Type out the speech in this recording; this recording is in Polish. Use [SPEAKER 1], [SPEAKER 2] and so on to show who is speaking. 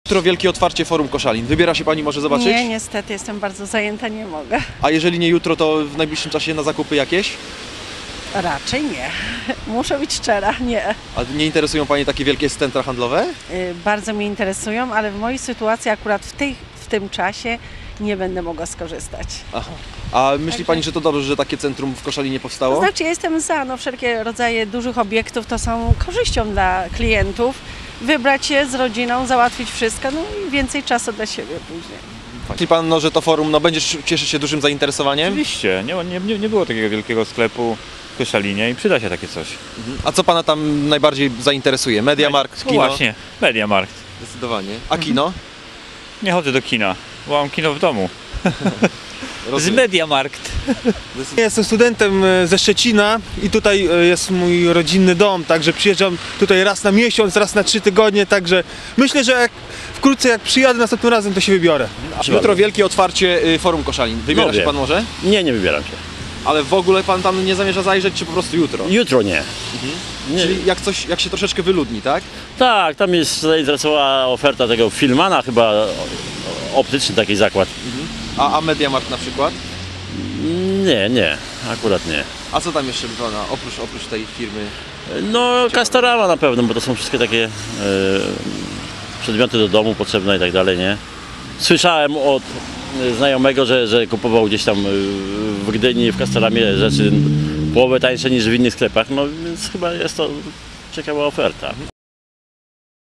[SPEAKER 1] Jutro wielkie otwarcie Forum Koszalin. Wybiera się Pani może zobaczyć?
[SPEAKER 2] Nie, niestety jestem bardzo zajęta, nie mogę.
[SPEAKER 1] A jeżeli nie jutro, to w najbliższym czasie na zakupy jakieś?
[SPEAKER 2] Raczej nie. Muszę być szczera, nie.
[SPEAKER 1] A nie interesują Pani takie wielkie centra handlowe?
[SPEAKER 2] Bardzo mnie interesują, ale w mojej sytuacji akurat w tym czasie nie będę mogła skorzystać.
[SPEAKER 1] Aha. A myśli Pani, że to dobrze, że takie centrum w Koszalinie powstało?
[SPEAKER 2] To znaczy ja jestem za, no wszelkie rodzaje dużych obiektów to są korzyścią dla klientów. Wybrać je z rodziną, załatwić wszystko, no i więcej czasu dla siebie później.
[SPEAKER 1] Myśli Pan, no, że to forum będzie cieszyć się dużym zainteresowaniem?
[SPEAKER 3] Oczywiście, nie było takiego wielkiego sklepu w Koszalinie i przyda się takie coś.
[SPEAKER 1] A co Pana tam najbardziej zainteresuje? Mediamarkt,
[SPEAKER 3] No
[SPEAKER 1] kino?
[SPEAKER 3] właśnie, Mediamarkt.
[SPEAKER 1] Zdecydowanie. A kino?
[SPEAKER 3] Nie chodzę do kina, bo mam kino w domu. Z Mediamarkt.
[SPEAKER 4] Jestem studentem ze Szczecina i tutaj jest mój rodzinny dom, także przyjeżdżam tutaj raz na miesiąc, raz na 3 tygodnie, także myślę, że wkrótce jak przyjadę następnym razem, to się wybiorę.
[SPEAKER 1] Jutro wielkie otwarcie Forum Koszalin. Wybiera się Pan może?
[SPEAKER 5] Nie, nie wybieram się.
[SPEAKER 1] Ale w ogóle Pan tam nie zamierza zajrzeć, czy po prostu jutro?
[SPEAKER 5] Jutro nie. Nie.
[SPEAKER 1] Czyli jak się troszeczkę wyludni, tak?
[SPEAKER 5] Tak, tam jest zainteresowała oferta tego Filmana, chyba optyczny taki zakład.
[SPEAKER 1] A Mediamarkt na przykład?
[SPEAKER 5] Nie, akurat nie.
[SPEAKER 1] A co tam jeszcze by Pana, oprócz tej firmy?
[SPEAKER 5] No Castorama na pewno, bo to są wszystkie takie przedmioty do domu potrzebne i tak dalej, nie? Słyszałem od znajomego, że kupował gdzieś tam w Gdyni, w Castoramie rzeczy połowę tańsze niż w innych sklepach, no więc chyba jest to ciekawa oferta.